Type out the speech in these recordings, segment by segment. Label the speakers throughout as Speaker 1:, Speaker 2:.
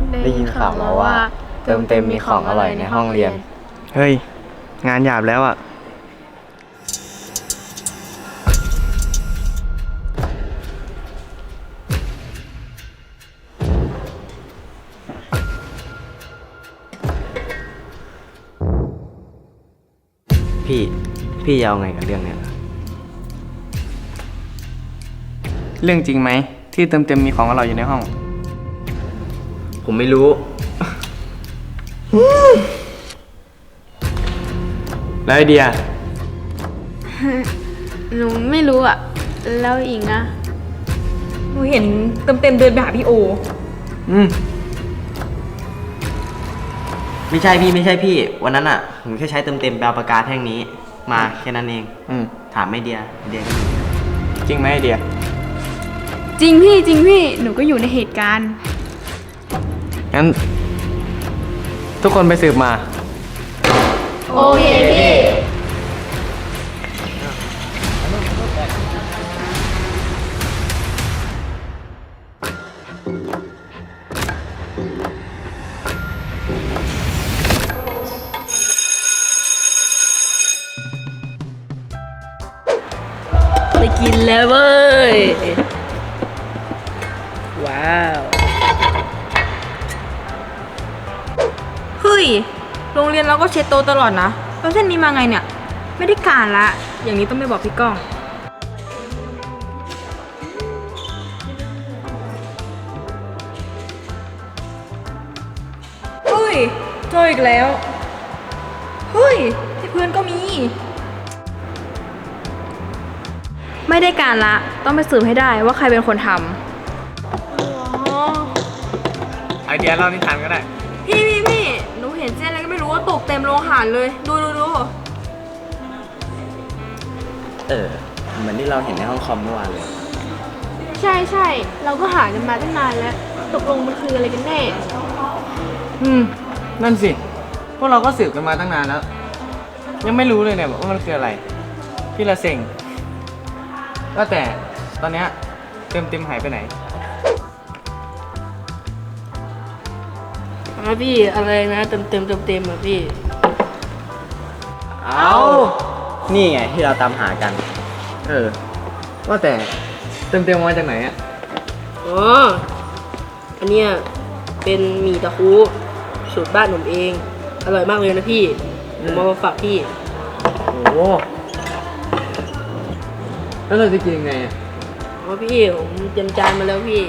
Speaker 1: ได้ยินข่าวมาว่าเติมเต็มมีของอร่อยในห้องเรียน
Speaker 2: เฮ้ยงานหยาบแล้วอ่ะ
Speaker 1: พี่จะเอาไงกับเรื่องเนี้ย
Speaker 2: เรื่องจริงไหมที่เติมเต็มมีของอร่อยอยู่ในห้อง
Speaker 1: ผมไม่รู้
Speaker 2: แล้วไอเดีย
Speaker 3: หนูไม่รู้อ่ะแล้วอิงอะ
Speaker 4: หนูเห็นเต็มเดินไปหาพี่โอ
Speaker 1: ไม่ใช่พี่วันนั้นอ่ะผมแค่ใช้เต็มไปเอาปากกาแท่งนี้มาแค่นั้นเองถามไม่เดียก็มี
Speaker 2: จริงไหมไอเดีย
Speaker 3: จริงพี่หนูก็อยู่ในเหตุการณ์
Speaker 2: งั้นทุกคนไปสืบมา
Speaker 3: โอเคพี่ไปกินแล้วเว้ยว้าว
Speaker 4: เฮ้ยโรงเรียนเราก็เช็ดโต๊ะตลอดนะแล้วเส้นนี้มาไงเนี่ยไม่ได้การละอย่างนี้ต้องไปบอกพี่ก้องเฮ้ยเจออีกแล้วเฮ้ยที่เพื่อนก็มีไม่ได้การละต้องไปสืบให้ได้ว่าใครเป็นคนทำ
Speaker 2: ไอเดียเล่านิทานก็ได้
Speaker 4: พี่หนูเห็นเส้นอะไรก็ไม่รู้ว่าตกเต็มโรงอาหารเลยดู
Speaker 1: เหมือนที่เราเห็นในห้องคอมเมื่อวานเลย
Speaker 3: ใช่เราก็หากันมาตั้งนานแล้วตกลงมันคืออะไรกันแน่
Speaker 2: นั่นสิพวกเราก็สืบกันมาตั้งนานแล้วยังไม่รู้เลยเนี่ยว่ามันคืออะไรพี่ละเซ็งก็แต่ตอนเนี้ยเต็มหายไปไหน
Speaker 3: พี่อะไรนะเต็มอ่ะพี่
Speaker 1: เอานี่ไงที่เราตามหากัน
Speaker 2: ว่าแต่เต็มมาจากไหนอ่ะ
Speaker 3: อ๋ออันเนี้ยเป็นหมี่ตะคุสูตรบ้านผมเองอร่อยมากเลยนะพี่ผมมาฝากพี่
Speaker 2: โอ้แล้วเราจะกินยังไงอ่ะ
Speaker 3: อ๋อพี่ผมเตรียมจานมาแล้วพี่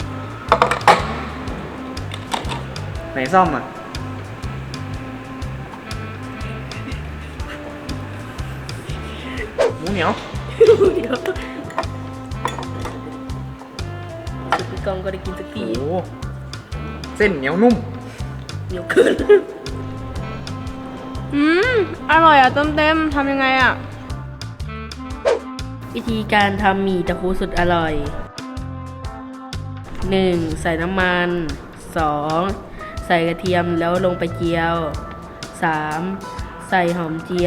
Speaker 2: ไหนซ่อมอ่ะหมูเหนียว
Speaker 3: พี่กองก็ได้กินสักที
Speaker 2: โอ้เส้นเหนียวนุ่ม
Speaker 3: เหนียวเกินอร่อยอ่ะเต็มทำยังไงอ่ะวิธีการทำหมี่ตะคุสุดอร่อย 1. ใส่น้ำมัน 2. ใส่กระเทียมแล้วลงไปเจียว 3. ใส่หอมเจียว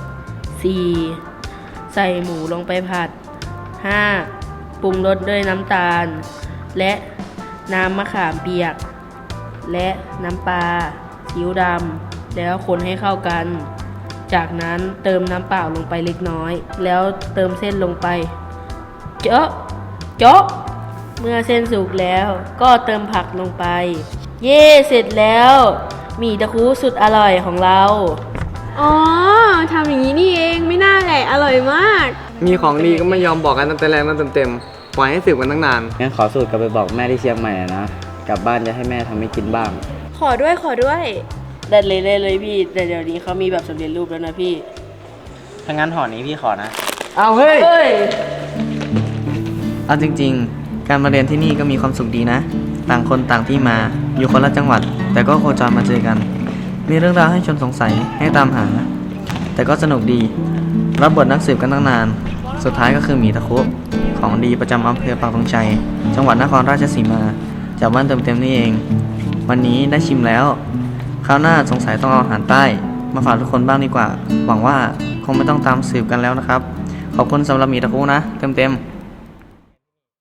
Speaker 3: 4. ใส่หมูลงไปผัด 5. ปรุงรสด้วยน้ำตาลและน้ำมะขามเปียกและน้ำปลาซีอิ๊วดำแล้วคนให้เข้ากันจากนั้นเติมน้ำเปล่าลงไปเล็กน้อยแล้วเติมเส้นลงไปเจาะเมื่อเส้นสุกแล้วก็เติมผักลงไปเย่เสร็จแล้วหมี่ตะคุสุดอร่อยของเราอ๋อทำอย่างนี้นี่เองไม่น่าแหละอร่อยมาก
Speaker 2: มีของดีก็ไม่ยอมบอกกันตั้งแต่แรกเต็มปล่อยให้สืบกันตั้งนาน
Speaker 1: งั้นขอสูตรกลับไปบอกแม่ที่เชียงใหม่นะกลับบ้านจะให้แม่ทำให้กินบ้าง
Speaker 4: ขอด้วย
Speaker 3: ได้เลยพี่แต่เดี๋ยวนี้เขามีแบบสำเร็จรูปแล้วนะพี่
Speaker 1: ถ้างั้นห่อนี้พี่ขอนะ
Speaker 2: เอาเฮ้ยเอาจริงๆการมาเรียนที่นี่ก็มีความสุขดีนะต่างคนต่างที่มาอยู่คนละจังหวัดแต่ก็โคจรมาเจอกันมีเรื่องราวให้ชวนสงสัยให้ตามหาแต่ก็สนุกดีรับบทนักสืบกันตั้งนานสุดท้ายก็คือหมี่ตะคุของดีประจำอำเภอปักธงชัยจังหวัดนครราชสีมาจากบ้านเต็มนี่เองวันนี้ได้ชิมแล้วคราวหน้าสงสัยต้องเอาอาหารใต้มาฝากทุกคนบ้างดีกว่าหวังว่าคงไม่ต้องตามสืบกันแล้วนะครับขอบคุณสำหรับหมี่ตะคุนะเต็ม